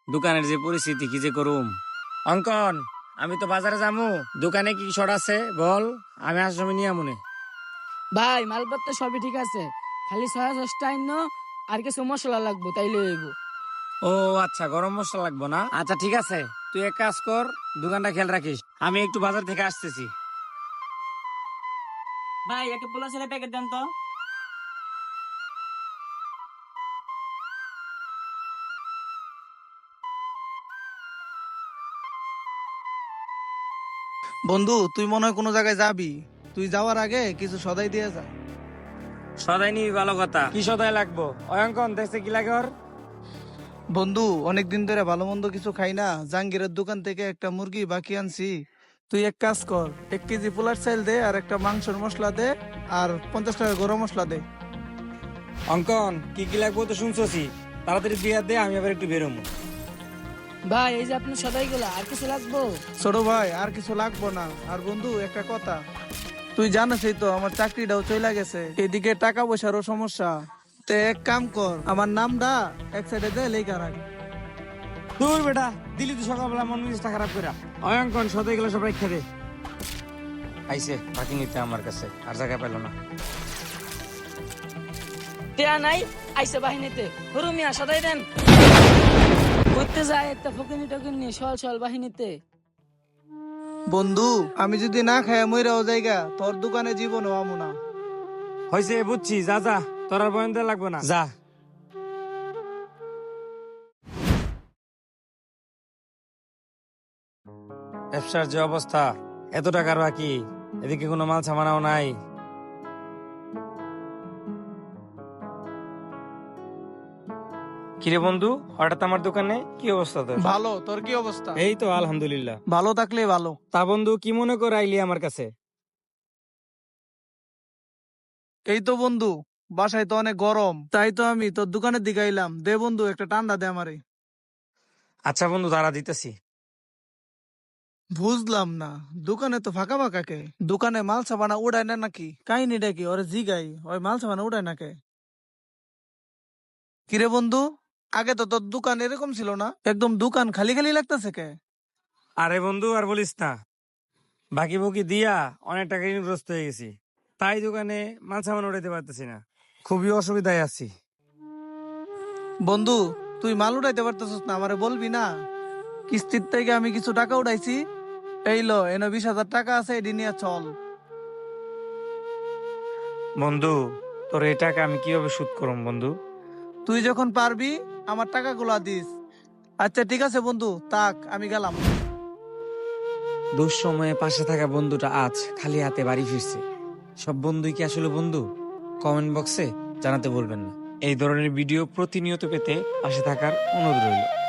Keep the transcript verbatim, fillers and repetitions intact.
দোকানের যে পরিস্থিতি কি যে করুম। অঙ্কন, আমি তো বাজারে যামু, দোকানে কি শর্ট আছে বল, আমি আসার সময় নিয়ে আমুনে। ভাই মালপত্র সবই ঠিক আছে, খালি ছয়া দশটা আইন আর কিছু মশলা লাগবো তাইলে হইব। ও আচ্ছা, গরম মশলা লাগবো না? আচ্ছা ঠিক আছে, তুই এক কাজ কর, দোকানটা খেয়াল রাখিস, আমি একটু বাজার থেকে আসতেছি। ভাই একটা পোলা ছেলে প্যাকেট দেন তো। বন্ধু, তুই মনে হয় কোনো জায়গায় যাবি। তুই যাওয়ার আগে কিছু সদাই দিয়ে যা। সদাই নিবি, ভালো কথা। কি সদাই লাগবো? অঙ্কন দেখছে কি লাগে ওর? বন্ধু, অনেকদিন ধরে ভালো মন্দ কিছু খাই না, জাহাঙ্গীরের দোকান থেকে একটা মুরগি বাকি আনছি। তুই এক কাজ কর, এক কেজি পোলার চাল দে, আর একটা মাংসের মশলা দে, আর পঞ্চাশ টাকা গরম মশলা দে। অঙ্কন, কি কি লাগবো তো শুনছি, তাড়াতাড়ি দিয়ে দে, আমি আবার একটু বেরোবো। ভাই এই যে আপনার সদাই গুলা, আর কিছু লাগবো? ছোট ভাই, আর কিছু লাগবো না। আর বন্ধু একটা কথা, তুই জানিসই তো আমার চাকরিটাও চলে গেছে, এদিকে টাকা পয়সারও সমস্যা। তে এক কাম কর, আমার নামটা এক সাইডে দে, লেখা রাখ। দূর বেটা, দিলি তুই সকালবেলা মন মেজাজটা খারাপ করে। অঙ্কন, সদাই গুলো সব রেখে দে। আইসে বাকি নিতে আমার কাছে, আর জায়গা পেল না। টেয়া নাই, আইসে বাহিনীতে। হরু মিয়া সদাই দেন। করতে যায় একটা ফকিনি টকিনি সল সল বাহিনীতে। বন্ধু, আমি যদি না খাই মইরাও জায়গা, তোর দোকানে জীবনও আমু না। হয়েছে, বুঝছি, যা যা, তোর আর বয়ন দেয়া লাগবো না, যা। ব্যবসার যে অবস্থা, এত টাকার বাকি, এদিকে কোনো মাল সামানাও নাই। কিরে বন্ধু, হঠাৎ আমার দোকানে, কি অবস্থা তোর? ভালো, তোর কি অবস্থা? এই তো আলহামদুলিল্লাহ। ভালো থাকলে ভালো। তা বন্ধু, কি মনে করে আইলি আমার কাছে? এই তো বন্ধু, বাসায় তো অনেক গরম, তাই তো আমি তোর দোকানের দিকে আইলাম। দে বন্ধু, একটা ঠান্ডা দে আমারে। আচ্ছা বন্ধু, দাঁড়া দিতেছি। বুঝলাম না, দোকানে তো ফাঁকা ফাঁকা কে? দোকানে মাল সাবানা উড়ায় না নাকি? কাহিনীটা কি? ওরে জিগাই, ওই মাল সাবানা উড়ায় না কে? কিরে বন্ধু, আগে তো তোর দোকান এরকম ছিল না, একদম দোকান খালি খালি লাগতেছে কে? আরে বন্ধু, আর বলিস না, বাকি বুকি দিয়া অনেক টাকা ঋণগ্রস্ত হয়ে গেছি, তাই দোকানে মাল সামান উঠাইতে পারতেছি না, খুবই অসুবিধায় আছি। বন্ধু, তুই মাল উঠাইতে পারতেছিস না, আমারে বলবি না? কিস্তির থেকে আমি কিছু টাকা উঠাইছি, এই লো, এনে বিশ হাজার টাকা আছে, এটি নিয়ে চল। বন্ধু, তোর এই টাকা আমি কিভাবে শোধ করব বন্ধু? তুই যখন পারবি আমার টাকাগুলা দিস। আচ্ছা ঠিক আছে বন্ধু, তাক, আমি গেলাম। দুঃসময়ে পাশে থাকা বন্ধুটা আজ খালি হাতে বাড়ি ফিরছে। সব বন্ধুই কি আসলে বন্ধু? কমেন্ট বক্সে জানাতে বলবেন না। এই ধরনের ভিডিও প্রতিনিয়ত পেতে পাশে থাকার অনুরোধ রইল।